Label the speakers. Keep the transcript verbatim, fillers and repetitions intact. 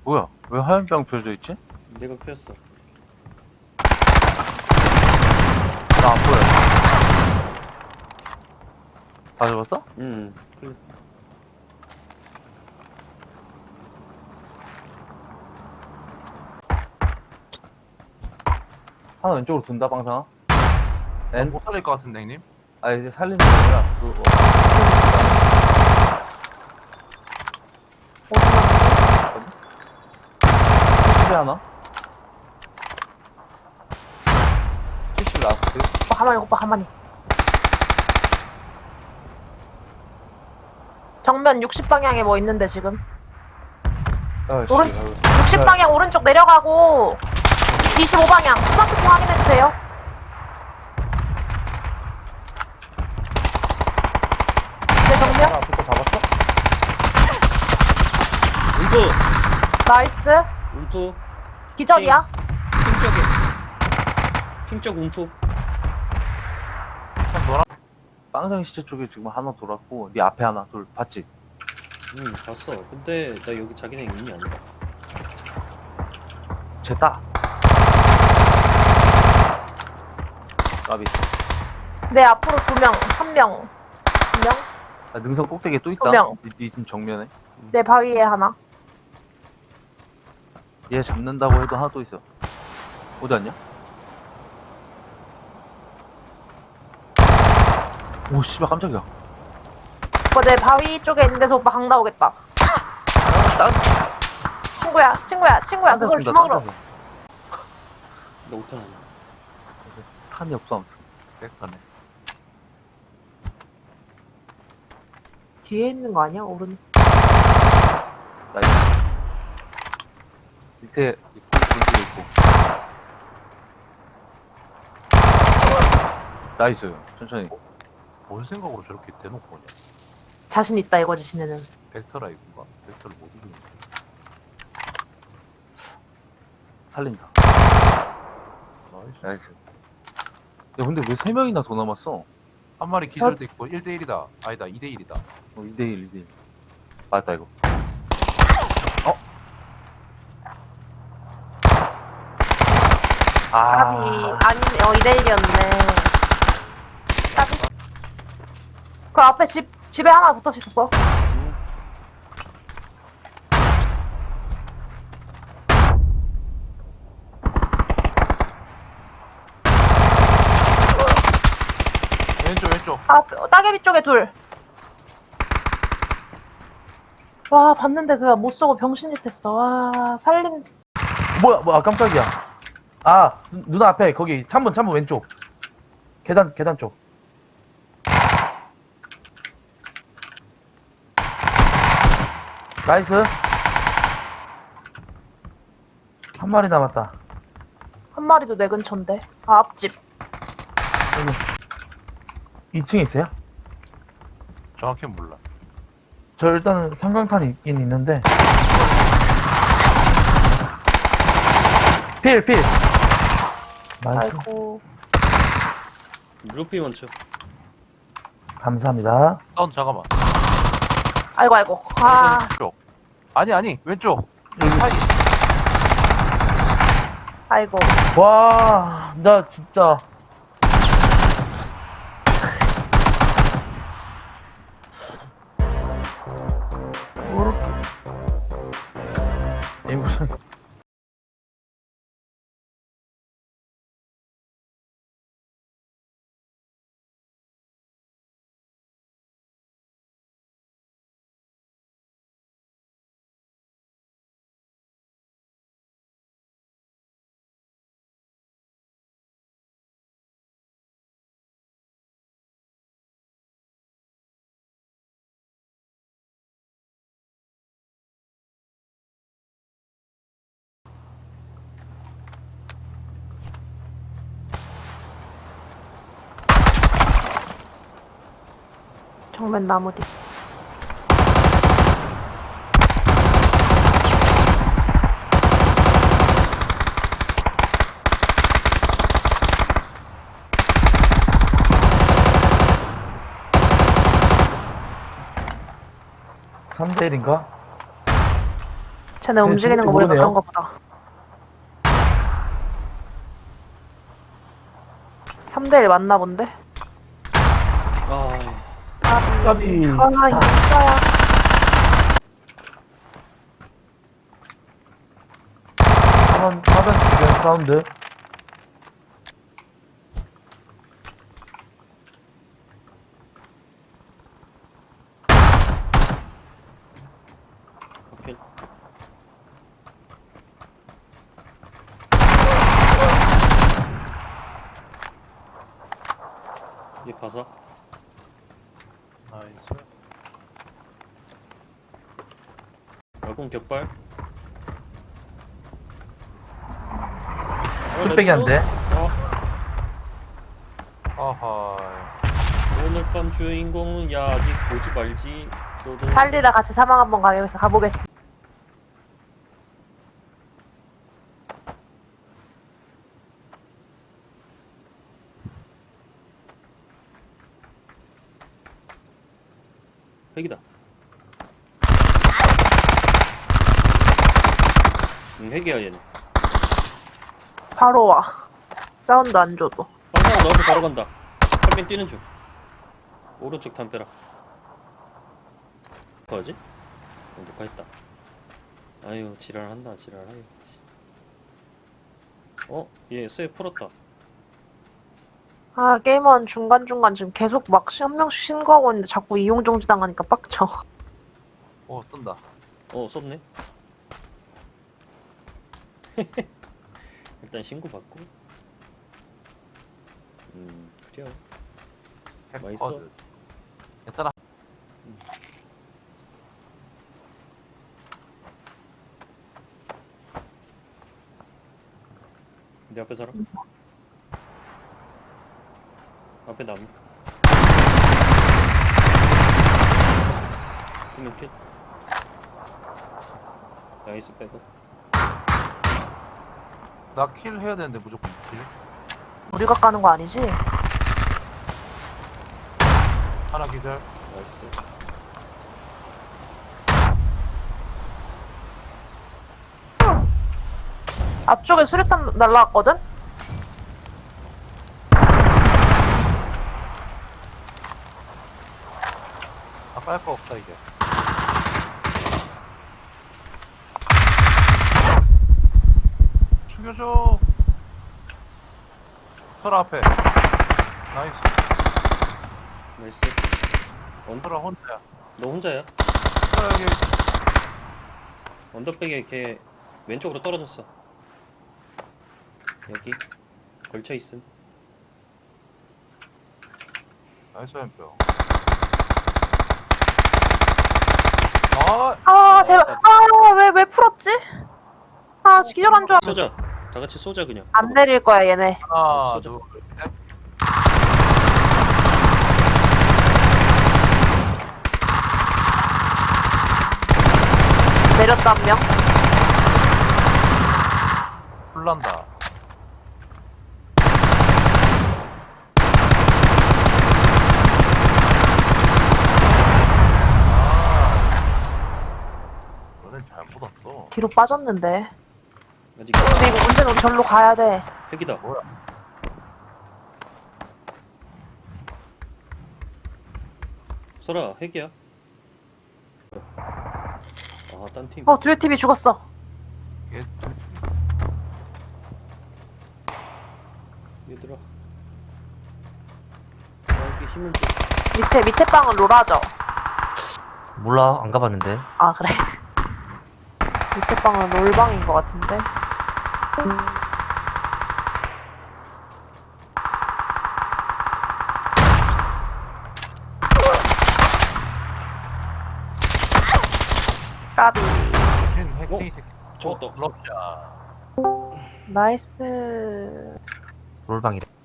Speaker 1: 뭐야? 왜 화염병 펴져 있지?
Speaker 2: 내가 폈어.
Speaker 1: 나 안 보여. 다 잡았어?
Speaker 2: 응. 그래.
Speaker 1: 하나 왼쪽으로 돈다, 방상아. 엔?
Speaker 3: 못 살릴 것 같은데 형님?
Speaker 1: 아, 이제 살리는 게 아니라, 그, 어, 칠십이 하나? 칠십 라스트?
Speaker 4: 오빠 가만히 오빠 가만히. 정면 육십 방향에 뭐 있는데 지금.
Speaker 1: 아, 씨.
Speaker 4: 오른-
Speaker 1: 아유.
Speaker 4: 육십 방향 오른쪽 내려가고 이십오 방향 스마트폰 확인해주세요. 내 정면
Speaker 1: 하나 앞에 거 잡았어?
Speaker 2: 움프!
Speaker 4: 나이스.
Speaker 2: 움프!
Speaker 4: 기절이야.
Speaker 2: 핑 쪽에. 핑 쪽 움프.
Speaker 3: 형 너랑
Speaker 1: 빵상 시체 쪽에 지금 하나 돌았고, 네 앞에 하나 돌, 봤지?
Speaker 2: 응, 봤어. 근데 나 여기 자기네 있니 안 봐.
Speaker 1: 쟤다. 까비.
Speaker 4: 내 앞으로 두 명, 한 명, 두 명.
Speaker 1: 아, 능선 꼭대기에 또 있다.
Speaker 4: 두 명.
Speaker 1: 니, 니 지금 정면에.
Speaker 4: 내 바위에 하나.
Speaker 1: 얘 잡는다고 해도 하나 또 있어. 어디 갔냐? 오, 씨발, 깜짝이야.
Speaker 4: 오빠 내 바위 쪽에 있는 데서 오빠 강 나오겠다.
Speaker 1: 다른,
Speaker 4: 친구야, 친구야, 친구야.
Speaker 1: 딴 데서
Speaker 4: 그걸
Speaker 1: 쏜다,
Speaker 4: 주먹으로.
Speaker 1: 딴 데서.
Speaker 2: 나 오탄 아니야.
Speaker 1: 탄이 없어, 아무튼.
Speaker 3: 백터네.
Speaker 4: 뒤에 있는 거 아니야? 오른.
Speaker 1: 나이스. 밑에 있고, 중지도 있고. 나이스. 천천히.
Speaker 3: 뭔 생각으로 저렇게 대놓고 오냐?
Speaker 4: 자신 있다 이거지 지네는.
Speaker 3: 벡터라 이건가? 벡터를 못 이기는 거.
Speaker 1: 살린다.
Speaker 3: 나이스.
Speaker 1: 나이스. 야, 근데 왜 세 명이나 더 남았어?
Speaker 3: 한 마리 기절도 있고 일 대 일이다. 아니다 이 대 일이다.
Speaker 1: 어, 이 대 일, 이 대 일. 맞다, 이거. 어?
Speaker 4: 까비.
Speaker 1: 아,
Speaker 4: 아니네. 어, 이 대 일이었네. 까비. 그 앞에 집, 집에 하나 붙어 있었어.
Speaker 3: 왼쪽 왼쪽.
Speaker 4: 아, 따개비 쪽에 둘. 와, 봤는데 그가 못 쏘고 병신짓 했어. 와, 살림.
Speaker 5: 뭐야, 뭐야, 깜짝이야. 아, 누, 누나 앞에, 거기, 창문, 창문 왼쪽. 계단, 계단 쪽. 나이스. 한 마리 남았다.
Speaker 4: 한 마리도 내 근처인데. 아, 앞집.
Speaker 5: 여기. 이 층에 있어요?
Speaker 3: 정확히 몰라.
Speaker 5: 저 일단은 삼광탄이 있긴 있는데. 필, 필. 나이스.
Speaker 4: 아이고.
Speaker 2: 루피 먼저.
Speaker 5: 감사합니다.
Speaker 3: 사운드 잠깐만.
Speaker 4: 아이고, 아이고. 아,
Speaker 3: 왼쪽. 아니 아니 왼쪽.
Speaker 5: 여기.
Speaker 3: 사이.
Speaker 4: 아이고.
Speaker 5: 와, 나 진짜. 에이무슨
Speaker 4: 정면 나무 뒤.
Speaker 5: 삼 대 일인가?
Speaker 4: 쟤네
Speaker 5: 쟤네
Speaker 4: 움직이는 거
Speaker 5: 죽을지
Speaker 4: 보니까
Speaker 5: 모르네요.
Speaker 4: 그런가 보다. 삼 대 일 맞나 본데?
Speaker 2: 아,
Speaker 4: 까비.
Speaker 5: 까비.
Speaker 4: 아, 이거 싫어요.
Speaker 5: 사번 사번 주변 사운드.
Speaker 2: 오케이. 얘 봐서.
Speaker 3: 나이스.
Speaker 2: 야공 격발.
Speaker 5: 뚝배기 안 돼.
Speaker 2: 어,
Speaker 3: 아하.
Speaker 2: 오늘 밤 주인공은 야 아직 보지 말지. 너도
Speaker 4: 살리라 같이 사망 한번 가면서 가보겠습니다.
Speaker 2: 핵이다. 응, 핵이야 얘는.
Speaker 4: 바로 와. 사운드 안 줘도.
Speaker 2: 방사가 너한테 바로 간다. 한명 뛰는 중. 오른쪽 담벼락. 뭐하지? 어, 녹화했다. 아유 지랄한다 지랄하여. 어? 얘 쇠 풀었다.
Speaker 4: 아, 게임원 중간중간 지금 계속 막 한 명씩 신고하고 있는데 자꾸 이용정지 당하니까 빡쳐.
Speaker 3: 오 쏜다.
Speaker 2: 어 썼네. 일단 신고 받고. 음 그래요. 맛있어.
Speaker 3: 핵퍼드. 괜찮아.
Speaker 2: 내 앞에 사람? 앞에 나무. 두명 킬. 나이스 빼고.
Speaker 3: 나 킬 해야 되는데 무조건 킬.
Speaker 4: 우리가 까는 거 아니지?
Speaker 3: 하나 기절.
Speaker 2: 나이스.
Speaker 4: 앞쪽에 수류탄 날라왔거든?
Speaker 3: 아까 할 거 없다 이제. 죽여줘. 설아 앞에. 나이스.
Speaker 2: 나이스. 언,
Speaker 3: 설아 혼자야.
Speaker 2: 너 혼자야?
Speaker 3: 설아 여기.
Speaker 2: 언더백에 걔 왼쪽으로 떨어졌어. 여기 걸쳐 있음.
Speaker 3: 나이스 햄표. 아,
Speaker 4: 아, 제발. 아, 왜, 왜 풀었지? 아, 기절한 줄 알았
Speaker 2: 쏘자. 다 같이 쏘자 그냥.
Speaker 4: 안 내릴 거야, 얘네.
Speaker 3: 하나,
Speaker 2: 쏘자.
Speaker 3: 둘, 셋.
Speaker 4: 내렸다, 한 명.
Speaker 3: 불난다. 아, 너는 잘못 왔어.
Speaker 4: 뒤로 빠졌는데.
Speaker 2: 아직
Speaker 4: 근데 이거 문제는 우리 절로 가야 돼.
Speaker 2: 핵이다.
Speaker 3: 뭐야?
Speaker 2: 설아 핵이야. 아, 딴 팀.
Speaker 4: 어, 듀엣 티비 죽었어.
Speaker 3: 얘
Speaker 2: 얘들아. 나에게 힘을 줘.
Speaker 4: 밑에, 밑에 방은 로라죠?
Speaker 5: 몰라 안 가봤는데.
Speaker 4: 아, 그래. 밑에 방은 롤방인 것 같은데. 까비.
Speaker 3: 신 핵이 새끼.
Speaker 2: 죽었다.
Speaker 3: 럽샤.
Speaker 4: 나이스.
Speaker 5: 롤방이래.